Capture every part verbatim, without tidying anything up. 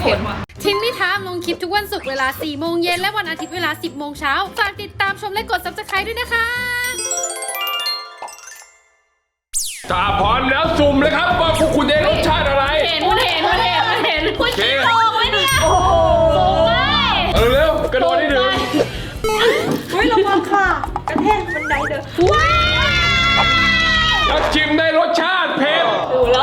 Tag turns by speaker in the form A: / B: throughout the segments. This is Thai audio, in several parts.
A: ผ็ด
B: ทินนี่ทามลงคลิปทุกวันศุกร์เวลาสี่โมงเย็นและวันอาทิตย์เวลาสิบโมงเช้าฝากติดตามชมและกด ซับสไครบ์ ด้วยนะคะ
C: ถ้าพร้อมแล้วสุ่มเลยครับว่าพวกคุณได้รสชาติอะไร
A: เห็นมันเห็นมันเห็นมันเห็นคุณ
C: โอเค
A: โกงไหมเนี่ยโอ้โหไม่
C: เอาเร็วกระโดดให้ถึง
A: เฮ้ยระวังค่ะกระแทกบันไดเด้อว้า
C: ถ้าชิมได้รสชาติเผ็ด
A: ดูแล้ว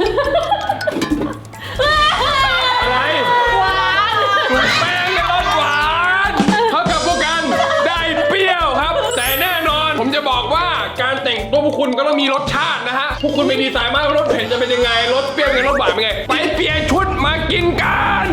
C: อะไร
A: หวาน
C: แป้งและรสหวานเท่ากับพวกกันได้เปรี้ยวครับ แต่แน่นอนผมจะบอกว่าการแต่งตัวพวกคุณก็ต้องมีรสชาตินะฮะพวกคุณไม่ดีไซน์มากว่ารสเผ็ดจะเป็นยังไงรสเปรี้ยวกับรสหวานเป็นไงไปเปลี่ยนชุดมากินกัน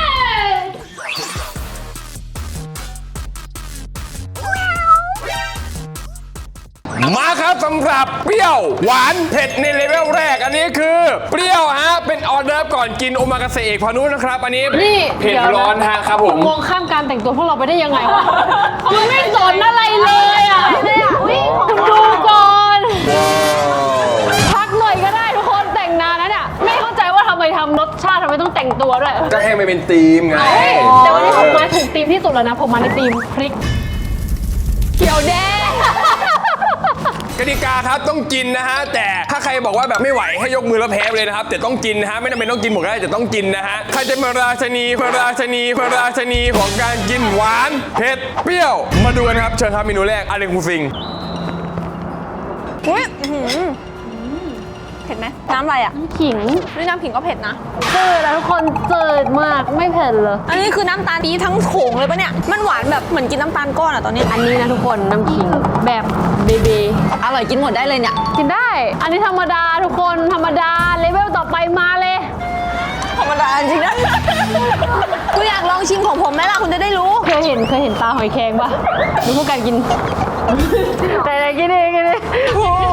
C: มาครับสำหรับเปรี้ยวหวานเผ็ดในเลเวลแรกอันนี้คือเปรี้ยวฮะเป็นออเดิร์ฟก่อนกินโอมากาเสะเอกพานุนะครับอันนี้
B: นี่
C: เผ็ดร้อนฮะครับผม
B: มองข้ามการแต่งตัวพวกเราไปได้ยังไงวะมันไม่สนอะไรเลยอ่ะคุณดูก่อนพักหน่อยก็ได้ทุกคนแต่งนานแล้วเนี่ยไม่เข้าใจว่าทำไมทำรสชาติทำไมต้องแต่งตัวด้วย
C: ก็ให้มันเป็นธีมไง
B: แต่วันนี้ผมมาถูกธีมที่สุดแล้วนะผมมาในธีมพริกเขียวแดง
C: กติกาครับต้องกินนะฮะแต่ถ้าใครบอกว่าแบบไม่ไหวให้ยกมือแล้วแพ้ไปเลยนะครับแต่ต้องกินนะฮะไม่จำเป็นต้องกินหมดก็ได้แต่ต้องกินนะฮะใครจะมาราชนีมาราชนีมาราชนีของการกินหวานเผ็ดเปรี้ยวมาดูกันครับเชิญครับเมนูแรกอะไรคุณซิง
D: อุ้ยเผ็ดไหมน้ำอะไรอ่ะ
B: ขิง
D: นี่น้ำขิงก็เผ็ดนะ
B: จืดแล้วทุกคนจืดมากไม่เผ็ดเลย
D: อันนี้คือน้ำตาลปี๊บทั้งโขงเลยปะเนี่ยมันหวานแบบเหมือนกินน้ำตาลก้อนอ่ะตอนนี้
B: อันนี้นะทุกคนน้ำขิงแบบเบเบ
D: อร่อยกินหมดได้เลยเนี่ย
B: กินได้ อันนี้ธรรมดาทุกคนธรรมดาเลเวลต่อไปมาเลย
D: ธรรมดาจริงนะคุณอยากลองชิมของผมไหมล่ะคุณจะได้รู้
B: เคยเห็นเคยเห็นปลาหอยแครงปะดูพวกการกินแต่ไหนกินเองกินเอง
D: โอ้โห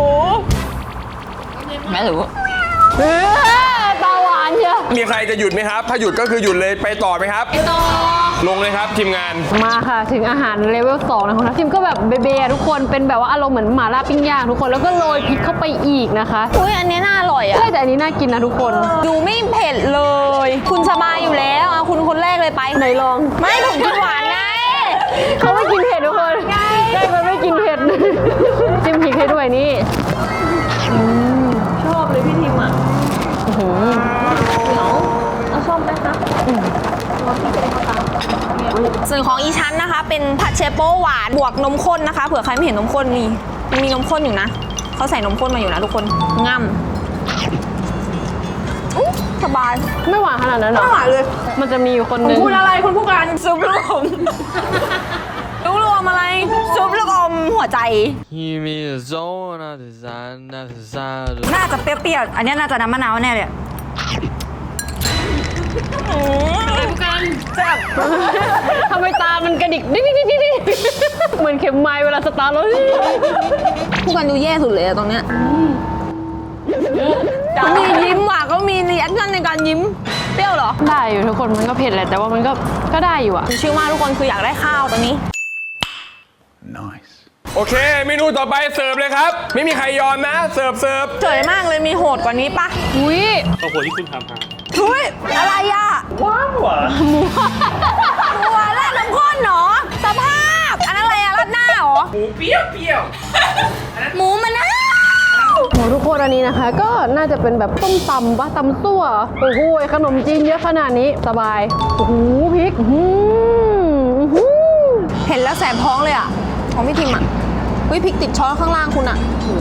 D: แม่รู้
B: เออตาหวานเชียว
C: มีใครจะหยุดไหมครับถ้าหยุดก็คือหยุดเลยไปต่อไหมครับ
B: ต่อ
C: ลงเลยครับทีมงาน
B: มาค่ะถึงอาหารเลเวลสองนะของทัพทิมก็แบบเบเบทุกคนเป็นแบบว่าอารมณ์เหมือนหม่าล่าปิ้งย่างทุกคนแล้วก็โรยพริกเข้าไปอีกนะคะ
D: อุ้ยอันนี้น่าอร่อยอ่ะ
B: ใช่แต่อันนี้น่ากินนะทุกคน
D: ดูไม่เผ็ดเลย คุณสบายอยู่แล้วเอาคุณคนแรกเลยไป
B: ไหนลอง
D: ไม่ผมกินหวานไง
B: เขาไม่กินเผ็ดทุกคนได้มันไม่กินเผ็ดจิ้มพริกให้ด้วยนี่
D: ชอบเลยพี่ทิมอ่ะ
B: อื้อหือ
D: เหนียวเอาชอบไหมคะส่วนของอีชั้นนะคะ เป็นผัดเชโป้หวานบวกนมข้นนะคะเผื่อใครไม่เห็นนมข้นมีมีนมข้นอยู่นะเขาใส่นมข้นมาอยู่นะทุกคนง่ำอุ๊ยสบาย
B: ไม่หวานขนาดนั้นหรอ
D: ไม่หวานเลย
B: มันจะมีอยู่คนห
D: คุณ
B: นึง
D: พูดอะไรคุณพูดกันซุปลูกอมลูกลูกอมอะไรซุปลูกอมหัวใจ น่าจะเปรี้ยวๆอันนี้น่าจะน้ำมะนาวแน่เลย
B: ทำไมตามันกระดิกดิ๊กดิ๊กดิ๊กดิ๊กเหมือนเข็มไม้เวลาสตาร์ทรถ
D: ผู้กันดูแย่สุดเลยอะตรงเนี้ยเขามียิ้มว่ะเขามีรีแอคชั่นในการยิ้มเปรี้ยวเหรอ
B: ได้อยู่ทุกคนมันก็เผ็ดแหละแต่ว่ามันก็ก็ได้อยู่อะ
D: ชื่อมากทุกคนคืออยากได้ข้าวตอนนี้
C: โอเคเมนูต่อไปเสิร์ฟเลยครับไม่มีใครยอมนะเสิร์ฟเสิร์ฟ
D: เฉยมากเลยมีโหดกว่านี้ปะ
B: อุ้ย
E: ครอบครัวที่คุณทำฮะ
D: ทุยอะไรอ่ะ
E: ว้าวหวาน
D: หมูราดน้ำข้นเหรอสภาพอันนั้นอะไรอะราดหน้าเหรอ
E: หมูเปรี้ยวเปรี้ยว
D: หมูมะนาว
B: โหทุกคนอันนี้นะคะ ก็น่าจะเป็นแบบต้มตำปะตำซั่วโอ้โหขนมจีนเยอะขนาดนี้สบายโอ้โหพริกอื้อหืออื้อหือ
D: เห็นแล้วแสบท้องเลยอ่ะของพี่ทิมอ่ะวิพริกติดช้อนข้างล่างคุณอ่ะ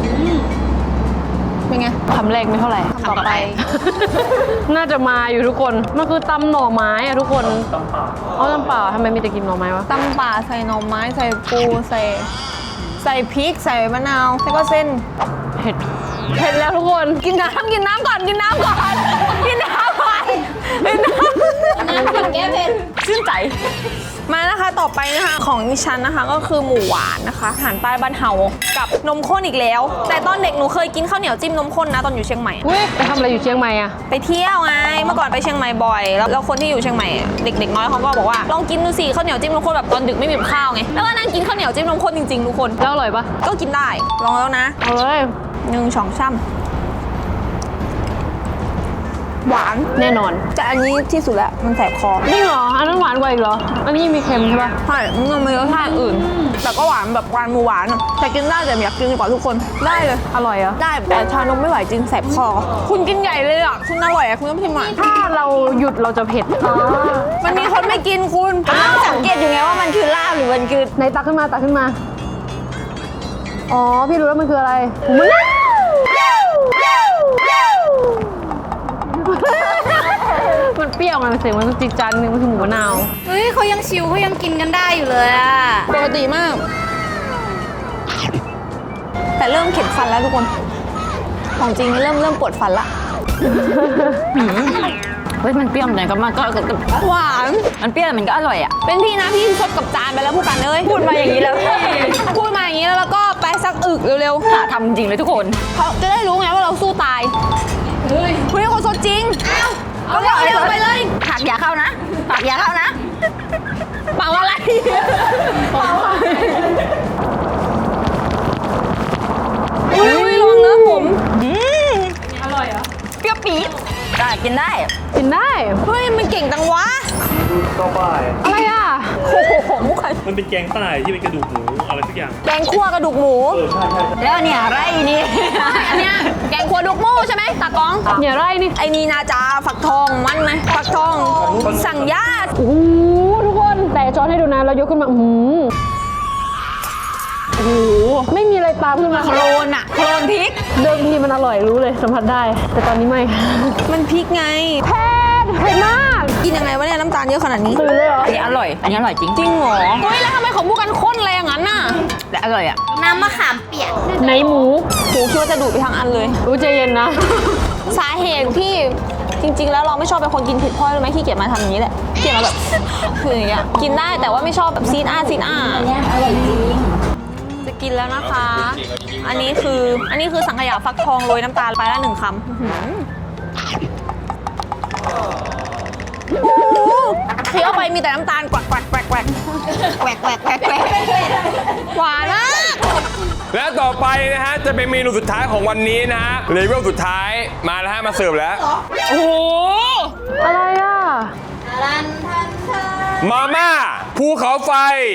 D: เป็นไง
B: คำแรกไม่เท่าไหร่
D: คำต่อไป
B: น่าจะมาอยู่ทุกคนมันคือตำหน่อไม้อะทุกคนเอาตำเปล่าทำไมมีแต่กินหน่อไม้วะ
D: ตำป่าใส่หน่อไม้ใส่ปูใส่ใส่พริกใส่มะนาวแล้วก็เส้น
B: เผ็ดเผ็ดแล้วทุกคน
D: กินน้ำกินน้ำก่อนกินน้ำก่อนกินน้ำก่อนกินน้ำน้ำกินแก้เผ็ดชื่นใจมานะคะต่อไปนะคะของดิฉันนะคะก็คือหมูหวานนะคะอาหารใต้บ้านเฮากับนมข้นอีกแล้ว แต่ตอนเด็กหนูเคยกินข้าวเหนียวจิ้มนมข้นนะตอนอยู่เชียงใหม่
B: อุ้ยไปทำอะไรอยู่เชียงใหม่อะ
D: ไปเที่ยวไงเมื่อก่อนไปเชียงใหม่บ่อยแล้วแล้วคนที่อยู่เชียงใหม่เด็กๆน้อยเขาก็บอกว่าลองกินดูสิข้าวเหนียวจิ้มนมข้นแบบตอนดึกไม่มีข้าวไงแล้วก็นั่งกินข้าวเหนียวจิ้มนมข้นจริงๆทุกคน
B: แล้วอร่อยปะ
D: ก็กินได้ลองแล้วนะ
B: เอาเลย
D: หนึ่งสองสาม
B: อ
D: หวาน
B: แน่นอน
D: แต่อันนี้ที่สุดแล้วมันแสบคอ
B: นี่เหรอ อันนั้นหวานกว่าอีกเหรอ อันนี้มีเค็มใช่ปะ
D: ใช่มันมีรสชาติอื่น แต่ก็หวานแบบหวานหมูหวานอะแต่กินได้แต่อยากกินกว่าทุกคนได้เลย
B: อร่อยเหรอ
D: ได้แต่ชานมไม่ไหวจริงแสบคอ คุณกินใหญ่เลยอ่ะคุณอร่อยอ่ะคุณต้องพิมพ์มา
B: ถ้าเราหยุดเราจะเผ็ด
D: มันมีคนไม่กินคุณสังเกตอยู่ไงว่ามันคือลาบหรือมันคือ
B: ไหนตักขึ้นมาตักขึ้นมา อ๋อ พี่รู้แล้วมันคืออะไรหมูมะนาวมันเปรี้ยวไงมันเสียงมันจิกจันนึงมันคือหมูมะนาว
A: เฮ้ยเขายังชิวเขายังกินกันได้อยู่เลยอะ
D: ปกติมาก แต่เริ่มเข็ดฟันแล้วทุกคน ของจริงเริ่มเริ่มปวดฟันละ
B: เฮ้ยมันเปรี้ยวไหนก็มาก็
D: หวาน
B: มันเปรี้ยวมันก็อร่อยอ่ะ
D: เป็นพี่นะพี่ชดกับจานไปแล้วผู้กันเอ้ยพูดมาอย่างนี้แล้ว พูดมาอย่างนี้แล้วแล้วก็ไปสักอึกเร็วๆ
B: หาทำจริงเลยทุกคน
D: เขาจะได้รู้ไงว่าเราสู้ตายเฮ้ยคุณเป็นคนสดจริงอ้าวเอาเร็วๆไปเลย
B: ผักอย่าเข้านะผักอย่าเข้านะ
D: เป่าอะไรเป่าอะไรอุ้ยลองนะผม
A: อร่อยเหรอ
D: เปรี้ยวปี๊ด
B: ได้กินได้ กินได้
D: เฮ้ยมันเก่งจังวะ
E: ดูเข้าป้าย
B: อะไรอ่ะ
D: โอ้โหมุกใคร
E: มันเป็นแกงใต้ที่เป็นกระดูกหมูอะไรสักอย่าง
D: แกงคั่วกระดูกหมู
E: เออใช่ใช่
B: แล้วเนี่ยไรนี่
D: อันเนี้ยแกงคั่วดุกหมูใช่ไหมตากล้อง
B: เนี่ยไรนี่
D: ไอ้นี่นาจาฝักทองมันไหมฝักทอง สั่งญาติ
B: โอ้โหทุกคนแต่ช้อนให้ดูนะเรายกขึ้นมาอืมโอ้โหไม่มีอะไรตามขึ้นมา
D: โคลนอะโคลนพริก
B: เดิมทีมันอร่อยรู้เลยสัมผัสได้ แต่ตอนนี้ไม่
D: มันพริกไง
B: เผ็ดเผ็ดมาก
D: กินยังไงวะเนี่ยน้ำตาลเยอะขนาดนี้
B: ตื่นเลยเหรอ
F: อันนี้อร่อย อันนี้อร่อยจริง
D: จริงเหรอ เฮ้ยแล้วทำไมของพวกกันข้นอะไรอย่างนั้นน่ะ
F: และอร่อยอ่ะ
A: น้ำมะขามเปียก
B: ไหนหมู
D: โหคิดว่าจะดูดไปทางอันเลย
B: รู้ใจเย็นนะ
D: สาเหตุที่จริง ๆ แล้วเราไม่ชอบเป็นคนกินเผ็ดเพราะอะไรรู้ไหมขี้เกียจมาทำอย่างนี้แหละขี้เกียจมาแบบ คืออย่างเงี้ยกินได้แต่ว่าไม่ชอบแบบซีดอ้าซีดอ้า
A: อันเนี้ยอร่อยจริง
D: จะกินแล้วนะคะ อันนี้คืออันนี้คือสังขยาฟักทองโรยน้ำตาลไปละหนึ่งคำอื้อหือโอ้โหเคี้ยวไปมีแต่น้ำตาลกวักแกวกแกวกแกวกแกวกแกวกแกวกแกวกหวานมาก
C: และต่อไปนะฮะจะเป็นเมนูสุดท้ายของวันนี้นะฮะเลเวลสุดท้ายมาแล้วฮะมาเสิร์ฟแล้ว
D: โอ้โห
B: อะไรอ่ะ
A: รันทันทัน
C: มาม่าภูเขาไฟ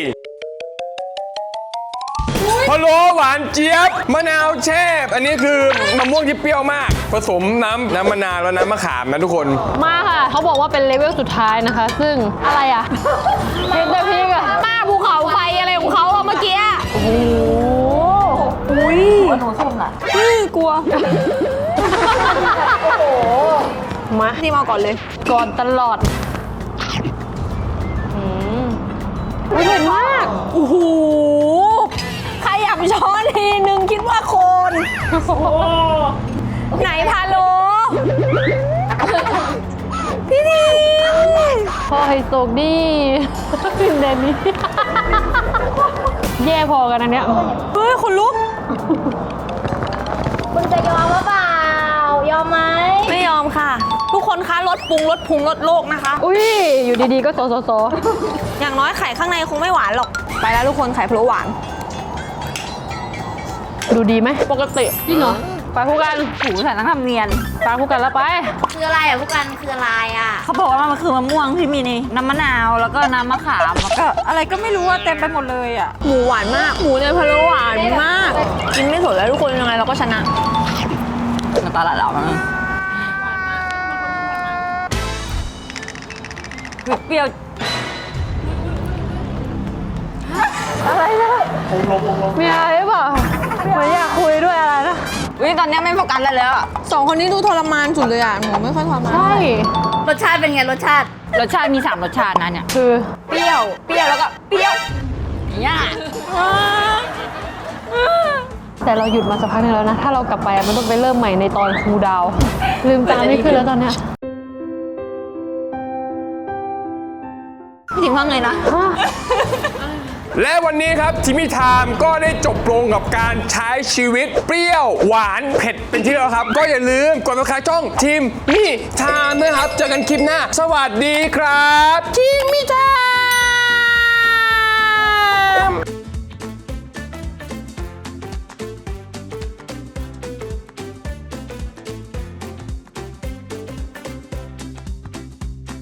C: พะโล้หวานเจี๊ยบมะนาวแช่อันนี้คือมะม่วงที่เปรี้ยวมาก ผสมน้ำน้ำมะนาวแล้วน้ำมะขามนะทุกคน
B: มาค่ะ เขาบอกว่าเป็นเลเวลสุดท้ายนะคะ ซึ่งอะไรอ่ะเผ็ดแต่พริกอ่ะ
D: มาภูเขาไฟอะไรของเขาอะเมื่อกี้อะ
B: โอ้โห
D: อุ้ย
F: หนูส้มล่ะ
D: อื้อกลัว
B: มา
D: นี่มาก่อนเลย
B: ก่อนตลอดอืมอุ๊ยเผ็ดมาก
D: โอ้โหใครอยากช้อนทีนึงคิดว่าโคน ไหนพาโล พี่นิง
B: พ่อไฮโซกดีฟินเดนนี้แย่พอกันอันเนี้ย
D: เฮ้ยคนลุก
A: คุณจะยอมหรือเปล่ายอมไหม
D: ไม่ยอมค่ะ ทุกคนคะลดปรุงลดพุงลดโลกนะคะ
B: อุ้ยอยู่ดีๆก็โซโซโซ
D: อย่างน้อยไข่ข้างในคงไม่หวานหรอก ไปแล้วทุกคนไข่พะโล้หวาน
B: ดูดีไหม
D: ปกติ
B: จริงเหรอไปคู่กัน
F: หูใส่น้ำทำเนียน
B: ไปคู่กันแล้วไป
A: คืออะไรอ่ะพวกกันคืออะไรอ่ะ
F: เขาบอกว่ามันคือมะม่วงที่มีในน้ำมะนาว แล้วก็น้ำมะขาม แล้วก็อะไรก็ไม่รู้ว่าเต็มไปหมดเลยอ่ะ
D: หมูหวานมาก หมูในพะโล้หวานมาก กินไม่สนแล้วทุกคนยังไงเราก็ชนะ
F: น้ำตาละเหล่ามันเปรี้ยว
B: อะไรนะมีอะไรหรือเปล่าเหมือนอยากคุยด้วยอะไรนะ
F: อุ้ยตอนนี้ไม่โฟกัสแล้วแล้วอะ
D: สองคนนี้ดูทรมานสุดเลยอ่ะ หนูไม่ค่อยทรมาน
B: ใช่
A: รสชาติเป็นไงรสชาติ
F: รสชาติมีสามรสชาตินะเนี่ย
B: คือ
D: เปรี้ยว
F: เปรี้ยวแล้วก็เปรี้ยวเนี่ย
B: แต่เราหยุดมาสักพักหนึงแล้วนะ ถ้าเรากลับไปอะมันต้องไปเริ่มใหม่ในตอนครูดาว ลืมตาไม่ขึ้นแล้วตอนเนี้ย
D: พี่ถิงว่าไงนะ
C: และวันนี้ครับทิมิไทม์ก็ได้จบลงกับการใช้ชีวิตเปรี้ยวหวานเผ็ดเป็นที่แล้วครับ ก็อย่าลืมกดติดตามช่องทิมมี่ไทม์นะครับ เจอกันคลิปหน้า สวัสดีครับทิมมี่ไท